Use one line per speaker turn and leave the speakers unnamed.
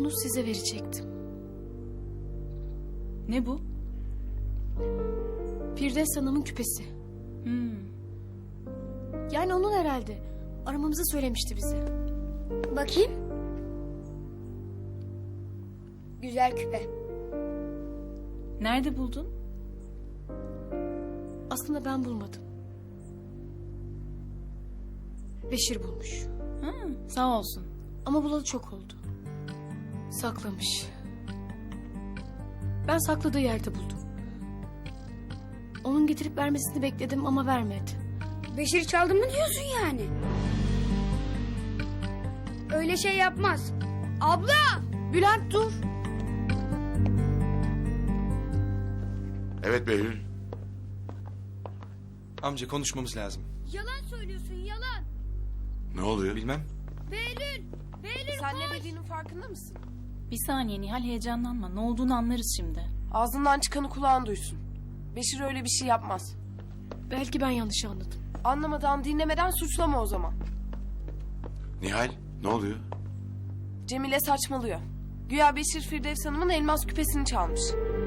bunu size verecektim.
Ne bu?
Firdevs Hanım'ın küpesi. Yani onun herhalde. Aramamızı söylemişti bize.
Bakayım. Güzel küpe.
Nerede buldun?
Aslında ben bulmadım. Beşir bulmuş.
Sağ olsun.
Ama bulalı çok oldu. Saklamış. Ben sakladığı yerde buldum. Onun getirip vermesini bekledim ama vermedi.
Beşir çaldı mı diyorsun yani? Öyle şey yapmaz. Abla!
Bülent dur.
Evet Behlül.
Amca konuşmamız lazım.
Yalan söylüyorsun, yalan.
Ne oluyor?
Bilmem.
Behlül! Behlül
Sen ne dediğinin farkında mısın?
Bir saniye Nihal, heyecanlanma. Ne olduğunu anlarız şimdi.
Ağzından çıkanı kulağın duysun. Beşir öyle bir şey yapmaz.
Belki ben yanlış anladım.
Anlamadan, dinlemeden suçlama o zaman.
Nihal ne oluyor?
Cemile saçmalıyor. Güya Beşir Firdevs Hanım'ın elmas küpesini çalmış.